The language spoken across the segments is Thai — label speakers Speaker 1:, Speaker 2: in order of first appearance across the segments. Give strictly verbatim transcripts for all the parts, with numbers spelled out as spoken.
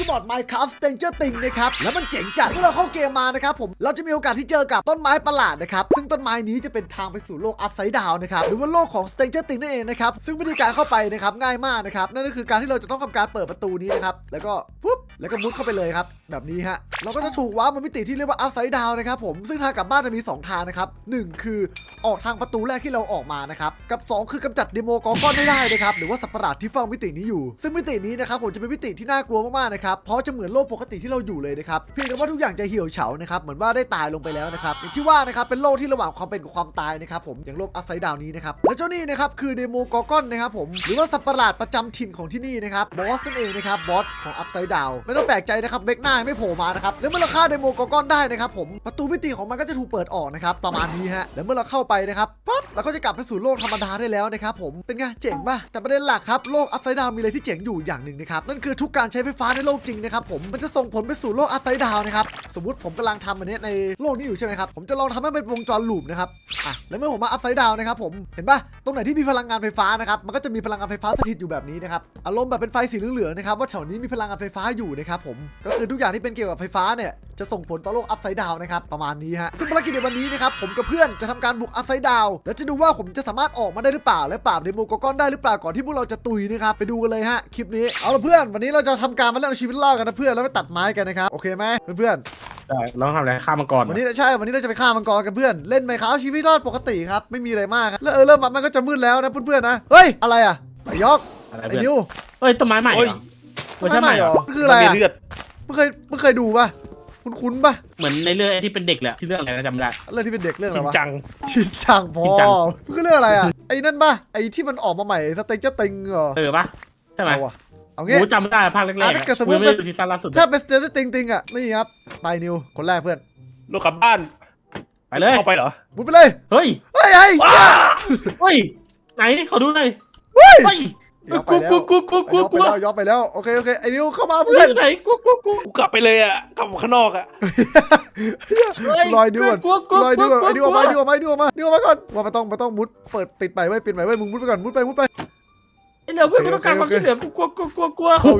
Speaker 1: มอด Minecraft Stranger Things นะครับแล้วมันเจ๋งจัดเมื่อเราเข้าเกมมานะครับผมเราจะมีโอกาสที่เจอกับต้นไม้ประหลาดนะครับซึ่งต้นไม้นี้จะเป็นทางไปสู่โลก Upside Down นะครับหรือว่าโลกของ Stranger Things นั่นเองนะครับซึ่งวิธีการเข้าไปนะครับง่ายมากนะครับนั่นก็คือการที่เราจะต้องทำการเปิดประตูนี้นะครับแล้วก็ปุ๊บแล้วก็มุดเข้าไปเลยครับแบบนี้ฮะเราก็จะถูกว้ามามิติที่เรียกว่า Upside Down นะครับผมซึ่งทางกลับบ้านจะมีสองทางนะครับหนึ่งคือออกทางประตูแรกที่เราออกมานะครับกับสองคือกำจัดเดโมกอร์กอนไม่ได้นะครับหรือว่าสัตว์ประหลาดที่เฝ้ามิตินี้อยู่ซึ่งมิตินี้นะครับผมจะเป็นมิติที่น่ากลัวมากๆนะครับเพราะจะเหมือนโลกปกติที่เราอยู่เลยนะครับเพียงแต่ว่าทุกอย่างจะเหี่ยวเฉานะครับเหมือนว่าได้ตายลงไปแล้วนะครับอย่างที่ว่านะครับเป็นโลกที่ระหว่างความเป็นกับความตายนะครับผมอย่างโลกอัพไซด์ดาวน์นี้นะครับและเจ้านี่นะครับคือเดโมกอร์กอนนะครับผมหรือว่าสัตว์ประหลาดประจำถิ่นของที่นี่นะครับบอสนั่นเองนะครับบอสของอัพไซด์ดาวน์ไม่ต้องแปลกใจนะครับเบคหน้าไม่โผล่มานะครับแล้วเมื่อเราฆ่าเดโมกอร์กอนได้นะครับผมประตูมิติของมันก็จะถูกเปิดออกนะครับประมาณนี้ฮะแล้วเมื่อเราเข้าไปนะครับปั๊บเราก็จะกลับไปสู่โลกธรรมดาได้แล้วนะครับผมเป็นไงเจ๋งป่ะแต่ประเด็นหลักครับโลกอัพไซด์ดาวน์มีอะไรที่เจ๋งอยู่อย่างหนึ่งนะครับนั่นคือทุกการใช้ไฟฟ้าในโลกจริงนะครับผมมันจะส่งผลไปสู่โลกอัพไซด์ดาวน์นะครับสมมุติผมกำลังทำอันนี้ในโลกนี้อยู่ใช่ไหมครับผมจะลองทำให้เป็นวงจรลูปนะครับอ่ะแล้วเมื่อผมมาอัพไซด์ดาวน์นะครับผมเห็นป่ะตรงไหนที่มีพลังงานไฟฟ้านะครับมันก็จะมีพลังงานไฟฟ้าสถิตอยู่แบบนี้นะครับอารมณ์แบบเป็นไฟสีเหลืองๆนะครับว่าแถวนี้มีพลังงานไฟฟ้าอยู่นะครับผมก็คือทุกอย่างที่เป็นเกี่ยวกับไฟฟ้าเนี่ยจะส่งผลต่อโลกอัพไซด์ดาวน์นะครับประมาณนี้ฮะซึ่งภารกิจในวันนี้นะครับผมกับเพื่อนจะทำการบุกอัพไซด์ดาวน์แล้วจะดูว่าผมจะสามารถออกมาได้หรือเปล่าและปราบเดโมกอร์กอนได้หรือเปล่าก่อนที่พวกเราจะตุยนะครับไปดูกันเลยฮะคลิปนี้เอาละเพื่อนวันนี้เราจะทำการมาเล่นเอาชีวิตรอดกันนะเพื่อนแล้วไปตัดไม้กันนะครับโอเคไหมเพื่อนๆ
Speaker 2: ได้เราทำอะไรฆ่ามังกร
Speaker 1: วันนี้ใช่วันนี้เราจะไปฆ่ามังกรกันเพื่อนเล่นไหมครับชีวิตรอดปกติครับไม่มีอะไรมากแล้วเออเริ่มมันก็จะมืดแล้วนะเพื่อนๆนะเฮ้ยอะไรอ่ะไอ้ยอกไอ้นิว
Speaker 2: เฮ้ยต้นไม้ใหม่เหรอเวอร์ชันใหม่เหรอ
Speaker 1: คืออะไรอ่ะ
Speaker 3: เลือด
Speaker 1: เพิ่งเคยเพิ่งเคยดูป่ะคุ้นๆป่ะ
Speaker 2: เหมือนในเรื่องที่เป็นเด็กแหละที่เรื่องอะไรนะจำไม่ได้
Speaker 1: เรื่องที่เป็นเด็กเรื่องอะไรวะ
Speaker 3: ชินจัง
Speaker 1: ชินจังพอคือเรื่องอะไรอ่ะไอ้นั่นป่ะไอ้ที่มันออกมาใหม่สเต็กเจอร์ติงเหรอ
Speaker 2: เออป่ะใช่ไหม
Speaker 1: เอางี้
Speaker 2: จำไม่ได้ภาคแรกๆถ้าเกิดสมมติเป็นซีซั่นล่าสุด
Speaker 1: ถ้าเป็นสเต็กเจอร์ติงติงอ่ะนี่ครับไปนิวคนแรกเพื่อน
Speaker 3: โลกกลับบ้าน
Speaker 2: ไปเลย
Speaker 3: เข้าไปเหรอ
Speaker 1: มุดไปเลย
Speaker 2: เฮ้ย
Speaker 1: เฮ้ยเฮ้ย
Speaker 2: เฮ้ยไหนขอดูหน่อย
Speaker 1: เฮ้ย
Speaker 2: กูกูกูกูกูกู
Speaker 1: ย้อนย้อนไปแล้วโอเคโอเคไอ้นิวเข้ามาเพื่อน
Speaker 2: ไหนกูกูกู
Speaker 3: กูกลับไปเลยอ่ะกลับข้างนอกอ่ะ
Speaker 1: ลอยดิวลอยดิวไอ้ดิวออกมาดิวออกมาดิวออกมาดิวออกมาก่อนว่ามันต้องมันต้องมุดเปิดปิดไปไว้ปิดไปไว้มึงมุดไปก่อนมุดไปมุดไป
Speaker 2: ไอ้เหลือเพื่อนกูต้องการความช่วยเหลือกูกลัวกูกลัวกลัว
Speaker 3: โอ้โห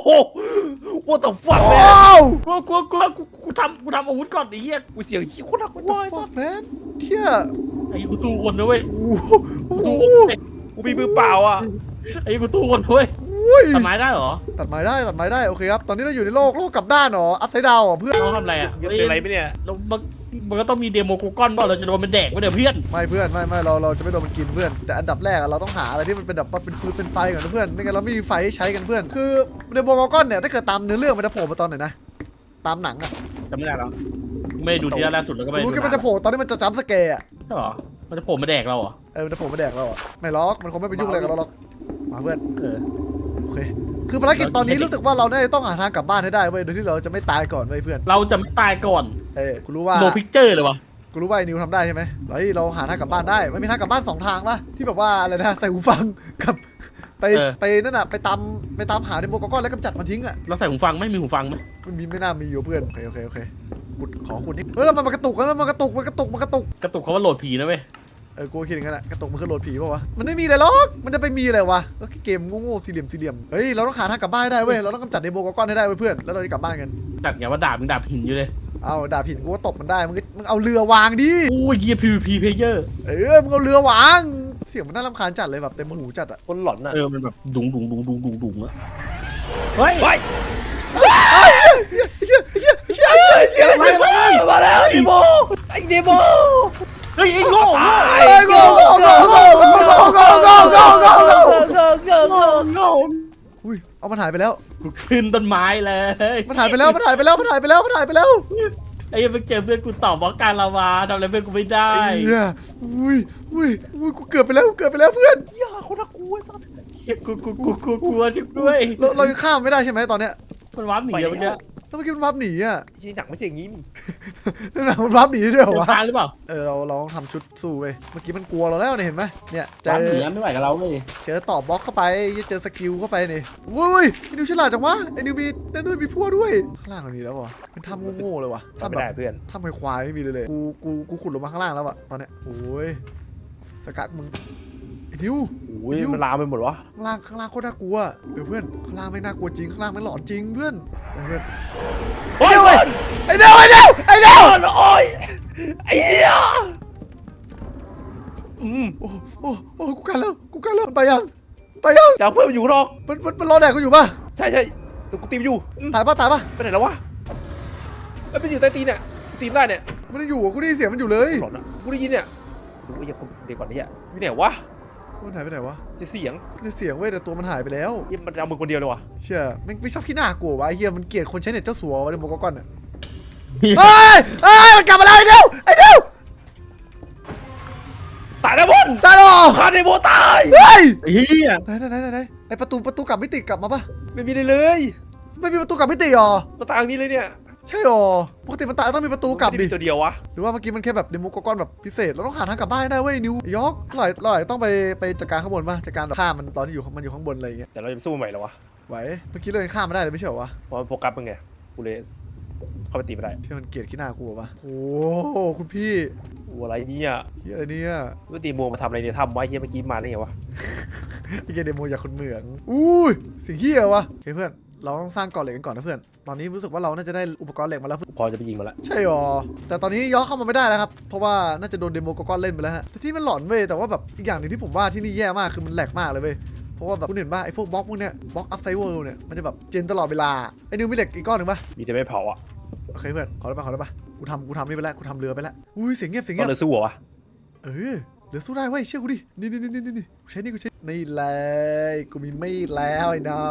Speaker 3: what the fuck
Speaker 1: แมน
Speaker 2: กลัวกลัวกลัวกูกูทำกูทำอาวุธก่อนไอ้เหี้ย
Speaker 3: กูเสียงขี้โคตรน่ากลัว
Speaker 1: fuck man เที่ย
Speaker 2: ไอ้กูสู้คนนะเว้ย
Speaker 3: กูมีมือเปล่าอ่ะ
Speaker 2: ไอ้กูสู้คนเว้ยตัดไม้ได้เหรอ
Speaker 1: ตัดไม้ได้ตัดไม้ได้โอเคครับตอนนี้เราอยู่ในโลกโลกกลับด้านเหรออัพไซด์ดาวน์เพื่อน
Speaker 2: เราทำอะไรอ่ะ
Speaker 3: ยังเป็นอะไรไหมเนี่ย
Speaker 2: เรามันก็ต้องมีเดโมกูก้อนบ้างเราจะโดนมันแดกไม่เดี๋ยวเพื่อน
Speaker 1: ไม่เพื่อนไม่ไม่เราเราจะไม่โดนมันกินเพื่อนแต่อันดับแรกเราต้องหาอะไรที่มันเป็นแบบเป็นฟืนเป็นไฟก่อนนะเพื่อนไม่งั้นเราไม่มีไฟให้ใช้กันเพื่อนคือเดโมกูก้อนเนี่ยถ้าเกิดตามเนื้อเรื่องมันจะโผล่มาตอนไหนนะตามหนังอะ
Speaker 2: จำไม่ได้แล้วไม่ดูทีล่าสุดแล้วก็ไม่
Speaker 1: รู้แค่มันจะโผล่ตอนที่มันจะจัมป์สแกร์อะ
Speaker 2: ใช่หรอมันจะโผล่มาแดกเราเหรอ
Speaker 1: เออมันจะโผล่มาแดกเราอะไม่ล็อกมันคงไม่ไปยุ่งอะไรกับเราหรอกมาเพื่อน
Speaker 2: เออ
Speaker 1: โอเคคือภารกิจตอนนี้รู้สึกว่าเราเนี่ยต้องหาทางกลับบ้านให้ได้เว้ยโดยที่เราจะไม่ตายก่อนเว้ยเพื่อน
Speaker 2: เราจะไม่ตายก่อน
Speaker 1: เออกูรู้ว่า
Speaker 2: โนพิกเจอร์เลยวะ
Speaker 1: กูรู้ว่าไอ้นิวทำได้ใช่ไหมเฮ้ยเราหาทางกลับบ้านได้มันมีทางกลับบ้านสองทางปะที่แบบว่าอะไรนะใส่หูฟังกับไปไปนั่นน่ะไปตามไปตามหาเดโมกอร์กอนแล้วกำจัดมันทิ้งอ่ะ
Speaker 2: เราใส่หูฟังไม่มีหูฟังไหม
Speaker 1: มันมีไม่น่ามีอยู่เพื่อนโอเคโอเคโอเคขุดขอขุดนิดเฮ้ยแล้วมันกระตุกแล้วมันกระตุกมันกระตุกมันกระตุก
Speaker 2: กระตุกเขาว่าโหลดผีนะเว้ย
Speaker 1: เออกูคิดอย่างนั้นแหละกระตุกมันคือโหลดผีป่าวะมันไม่มีอะไรหรอกมันจะไปมีอะไรวะก็เกมโง่ๆสี่เหลี่ยมสี่เหลี่ยมเฮ้ยเราต้องหาทางกลับบ้านได้เว้ยเราต้องกำจัดเดโมกอร์กอนให้ได้เว้ยเพื่อนแล้วเราจะกลับบ้านกัน
Speaker 2: จัดไงว่าดาบมึงดาบหินอยู่เลย
Speaker 1: เอาดาบหินกูก็ตบมันได้มึงมึงเอาเรือวางดิ
Speaker 2: โอ้ยเกียร์ พี วี พี เพลเยอร์
Speaker 1: เออมึงเอาเรือวางเสียงมันน่ารำคาญจัดเลยแบบเต็มหูจัดอะ
Speaker 3: คนหลอนอะ
Speaker 2: เออมันแบบดุงดุงดุงดุงดุงดุงอะเฮ้ย
Speaker 3: เฮ้ยมาแล้วเดโมไอเดโม
Speaker 2: เฮ้ยไอ้โง่
Speaker 1: ไอ้โง่โง่โง่โง่โง่โง่โง่โง่โง่โง่โง่
Speaker 2: โง่โง่โง่โง่
Speaker 1: อุ้ยเอามันหายไปแล้ว
Speaker 2: กูขึ้นต้นไม้เลย
Speaker 1: มันหายไปแล้วมันหายไปแล้วมันหายไปแล้วมันหายไปแล้ว
Speaker 2: ไอ้ยังไปเจอเพื่อนกูตอบว่าการละวาทำอะไรเพื่อนกูไม่ได้
Speaker 1: อุ้ยอุ้ยอุ้ยกูเกือบไปแล้วเกือบไปแล้วเพื่อน
Speaker 3: อย่าคนละกูไอ้สัส
Speaker 2: กูกูกูกูกลัวจุกด้วย
Speaker 1: เราเราข้ามไม่ได้ใช่ไหมตอนเนี้ย
Speaker 2: มันวาร์ปหนีเมื่อกี้
Speaker 1: แล้วเมื่อกี้มันวาร์ปหนีอ่ะ
Speaker 3: จริงหนักไม่ใช่อย่างนี้
Speaker 1: นี่หนักมันวาร์ปหนีด้วยเหรอวะ
Speaker 2: หรือเปล่า
Speaker 1: เออเราเราต้องทำชุดสู้เว้ยเมื่อกี้มันกลัวเราแล้วเนี่ยเห็นไหมเนี่ย
Speaker 2: เจอหนีไม่ไหวกับเราเลย
Speaker 1: เจอต่อบล็อกเข้าไปเจอสกิลเข้าไปนี่วุ้ยไอ้นิวฉลาดจังวะไอ้นิวมีนั่นด้วยมีพวกด้วยข้างล่างมันมีแล้ววะมันทำโง่ๆเลยวะ
Speaker 3: ทำแบบเพื่อน
Speaker 1: ทำควายไม่มีเลยเลยกูกูกูขุดลงมาข้างล่างแล้วอะตอนเนี้ยโอ้ยสกัดมึงไอ้นิว
Speaker 3: โอ้ยมันลามไปหมดวะ
Speaker 1: ข้างล่างข้างล่างโคตรน่ากลัวเดี๋ยวเพื่อนข้างล่างไม่น่ากลัวจริงข้างล่างไม่หลอนจริงเพื่อนไปเพื่อน
Speaker 3: โอ้ย
Speaker 1: ไอ้เดียวไอ้เดียวไอ้เดียว
Speaker 3: โอ้ยไอ้เหี้ยอืม
Speaker 1: โอ้โอ้โอ้กูกันแล้วกูกันแล้วไปยังไปยัง
Speaker 3: จะเอาเพื่อนมันอยู่ข้างนอก
Speaker 1: มันมันมันรอแดกกูอยู่ป่ะ
Speaker 3: ใช่ใช่เดี๋ยวกูตีมอยู่อืม
Speaker 1: ตายป่ะตายป่ะ
Speaker 3: ไปไหนแล้ววะมันไปอยู่ใต้ตีนเนี่ยกูตีมได้เนี่ย
Speaker 1: ไม่ได้อยู่อ่ะกูได้ยินเสียงมันอยู่เลย
Speaker 3: หลอนอะกูได้ยินเนี่ยดูไอ้เหี้ยกูเดี๋ยวก่อนนี่อ่ะอยู่ไหนวะ
Speaker 1: มันหายไปไหนวะ
Speaker 3: จะเสียง
Speaker 1: ได้เสียงเว้ยแต่ตัวมันหายไปแล้ว
Speaker 3: ยี่มันจะเอามึงคนเดียวเลยวะ
Speaker 1: เชื่อไม่ไม่ชอบขี้หน้ากลัววะไอ้เหี้ยมันเกลียดคนใช้เน็ตเจ้าสัววะในโมกก้อนอ่ะเฮ้ยเฮ้ยมันกลับมาแล้วไอ้เดียวไอ้เดียว
Speaker 3: ตายแล้วบน
Speaker 1: ตายหรอ
Speaker 3: คาเดโบตาย
Speaker 1: เฮ้ย
Speaker 2: เฮีย
Speaker 1: ไหนไหนไหนไหนไหนไอประตูประตูกลับไม่ติดกลับมาปะ
Speaker 3: ไม่มีเลยเลย
Speaker 1: ไม่มีประตูกลับไม่ติดหรอ
Speaker 3: มาตางนี้เลยเนี่ย
Speaker 1: ใช่หรอปกติมันตายต้องมีประตูกลับดิ
Speaker 3: ไม่ได้มีตัวเดียววะ
Speaker 1: หรือว่าเมื่อกี้มันแค่แบบเดโมกก้อนแบบพิเศษเราต้องหาทางกลับบ้านให้ได้เว้ยนิวยอร์กเราอาจเราอาจจะต้องไปไปจัดการข้างบนป่ะจัดการแบบฆ่ามันตอนที่อยู่มันอยู่ข้างบนอะไรอย่างเงี้ย
Speaker 3: แต่เราจะไปสู้มันใหม่แล้ววะ
Speaker 1: ไหวเมื่อกี้เรายังฆ่ามันได้เลยไม่ใช่เหรอวะ
Speaker 3: เพราะมันโฟกัสมึงไงกูเลยเข้าไปตีไม่ได้
Speaker 1: ที่มันเกลียดขี้หน้ากูวะโอ้โหคุณพี่
Speaker 3: โอ้อะไรเนี่ย
Speaker 1: เฮียอะไรเนี่ย
Speaker 3: ว่าตีมัวมาทำอะไรเนี่ยทำไว้เฮียเมื่อกี้มาได้ไงวะ
Speaker 1: ไอ้เกยเดโมอยากคนเหมืองอุ้ยสิ่งเฮียวะโอเคเพื่อนเราต้องสร้างเกาะเหล็กกันก่อนนะเพื่อนตอนนี้รู้สึกว่าเราน่าจะได้อุปกรณ์เหล็กมาแล้ว
Speaker 3: พอจะไปยิงมันละ
Speaker 1: ใช่หรอแต่ตอนนี้ย้อนเข้ามาไม่ได้แล้วครับเพราะว่าน่าจะโดนเดโมกก้อนเล่นไปแล้วฮะแต่ที่มันหลอนเว้ยแต่ว่าแบบอีกอย่างหนึงที่ผมว่าที่นี่แย่มากคือมันแหลกมากเลยเว้ยเพราะว่าแบบคุณเห็นป่ะไอ้พวกบล็อกพวกเนี้ยบล็อกอัพไซเวิลด์เนี่ยมันจะแบบเจนตลอดเวลาไอ้นิวมีเหล็กอีกก้อนหนึ่งป่ะ
Speaker 3: มีแต่ไม่เผาอ่ะ
Speaker 1: โอเคเพื่อนขอได้ป่ะขอได้ป่ะกูทำกูทำนี่ไปแล้วกูทำเรือไปแล้วอุ้ยเสียงเงียบเสียง
Speaker 3: ต้
Speaker 1: เงี
Speaker 3: อย ง
Speaker 1: บ
Speaker 3: เลยสู้เหรอวะ
Speaker 1: เออเรือสู้ได้เว้ยเชื่อกูดินี่นี่นี่นี่นี่กูใช้นี่กูใช้นี่เลยกูมีมีดแล้วไอ้น้อง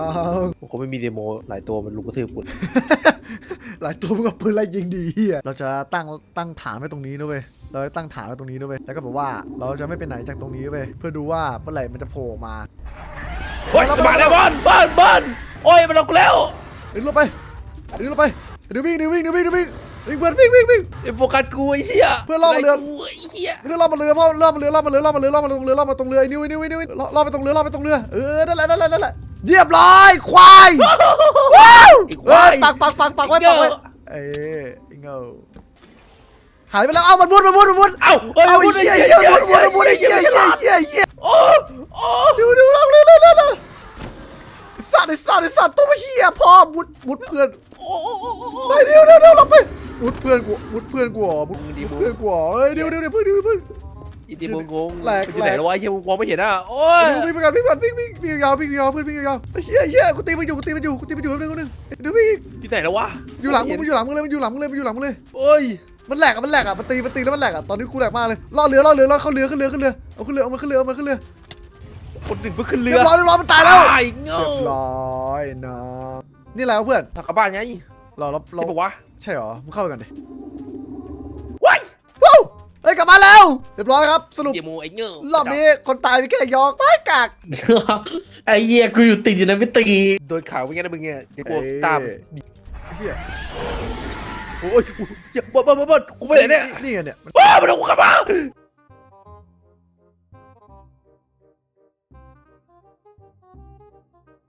Speaker 3: ผมคงไม่มีเดโมหลายตัวมันลุกกระทืบกู
Speaker 1: หลายตัวมึงกับปืนไล่ยิงดีเฮียเราจะตั้งตั้งฐานไว้ตรงนี้นะเว้ยเราจะตั้งฐานไว้ตรงนี้นะเว้ยแล้วก็บอกว่าเราจะไม่ไปไหนจากตรงนี้เว้ยเพื่อดูว่าเมื่อไหร่มันจะโผล่มา
Speaker 3: เฮ้ยมาแล้วบอลบอลบอลโอ้ยมันลงแล้ว
Speaker 1: ดึงลงไปดึงลงไปเดี๋ยววิ่งเดี๋ยววิ่งเดี๋ยววิ่งเดี๋ยววิ่งวิ่งเพื่อนวิ่งวิ่งวิ่ง
Speaker 3: ไอ้โฟกัสกูไอ้เหี้ย
Speaker 1: เพื่อนล่อมาเรือ
Speaker 3: ไกูไอ้เหี้ย
Speaker 1: เรือล่อมาเรือพ่อล่อมาเรือล่อมาเรือล่อมาเรือล่อมาตรงเรือล่อมาตรงเรือไอ้นิ้วไอ้นิ้วไอ้นิ้วล่อล่อไปตรงเรือล่อไปตรงเรือเออนั่นแหละนั่นแหละนั่นแหละเรียบร้อยควายว้าวเออปักปักปักปักไว้ปักไว้เออไอ้เงาหายไปแล้วเอ้ามันมุดมันมุดมันมุด
Speaker 3: เอ้าเอ้ย
Speaker 1: เอา
Speaker 3: มุ
Speaker 1: ไอ้
Speaker 3: ด
Speaker 1: เหี้ย
Speaker 3: ไอ้
Speaker 1: เหี้
Speaker 3: เหี้
Speaker 1: ย
Speaker 3: ย
Speaker 1: มุดมุดมุดไอ้เหี้ยเหี้ยเหี้ยเหี้ย
Speaker 3: โอ้โอ้
Speaker 1: ดูดูลองเร็วเร็วเร็วเร็วไอ้สัตว์ไอ้สัตว์ไอ้สัตว์ตัวไม่เหี้ยพ่อมุดมุดเพื่อน
Speaker 3: โอ้โอ้โอ้โอ้
Speaker 1: ไปเร็วเร็วเร็วเราไปมุดเพื่อนกูมุดเพื่อนกูอ๋อมุดเพื่อนกูอ๋อเอ้ยเดี๋ยวเดี๋ยวเดี๋ยวเพื่อนเดี๋ยวเพื่อน
Speaker 3: อีตีมึงงง
Speaker 1: แหลก
Speaker 3: มันอยู่ไหนแล้ววะไอ้เหี้ยมึงมองไม่เห็นอ่ะโอ้ย
Speaker 1: วิ่งไปกันวิ่งไปกันวิ่งวิ่งวิ่งยาววิ่งยาวเพื่อนวิ่งยาวไอ้เหี้ยเหี้ยกูตีมันอยู่กูตีมันอยู่กูตีมันอยู่นึงนึงเดี๋ยววิ่ง
Speaker 3: อยู่ไหนแล้ววะ
Speaker 1: อยู่หลังมึงมันอยู่หลังมึงเลยมันอยู่หลังมึงเลยมันอยู่หลังมึงเลย
Speaker 3: โอ้ย
Speaker 1: มันแหลกอ่ะมันแหลกอ่ะมันตีมันตีแล้วมันแหลกอ่ะตอนนี้กูแหลกมากเลยล่อเรือล่อเรือล่อเข้าเรือขึ้นเรือขึ้นเรือเอาขึ้นเรือเอามันขึ้นเรือเอามันขึ้นเรือ
Speaker 3: คนหนึ่งเพิ่งขึ้นเรื
Speaker 1: เรี
Speaker 3: อย
Speaker 1: บร้อยเรียบร้อยมันตายแล้ว
Speaker 3: ตายเงา
Speaker 1: เรียบร้อยนะนี่อะไรวะเพื่อน
Speaker 3: ทางกลับบ้านไง
Speaker 1: เราเราเรา
Speaker 3: ที่บอกว่า
Speaker 1: ใช่เหรอมึงเข้าไปกันดิ
Speaker 3: ว้าย
Speaker 1: ว้าวเฮ้ยกลับมาแล้วเรียบร้อยครับสรุป
Speaker 3: เดี๋ยวมูไอ้เงาร
Speaker 1: อบนี้คนตายมีแค่ยอกไปกาก
Speaker 2: ไอ้เหี้ยกูอยู่ติดอยู่ในพิตี
Speaker 3: โดนข่าวเป็นไงนะมึงเนี่ยเดี๋ยวกู
Speaker 1: เอ้ย
Speaker 3: ตาม
Speaker 1: เฮีย
Speaker 3: โอ้ยอย่าบอลบอลบอลกูไปไหนเนี่ย
Speaker 1: นี่ไงเนี่ย
Speaker 3: ว้ามันเอากูกลับมา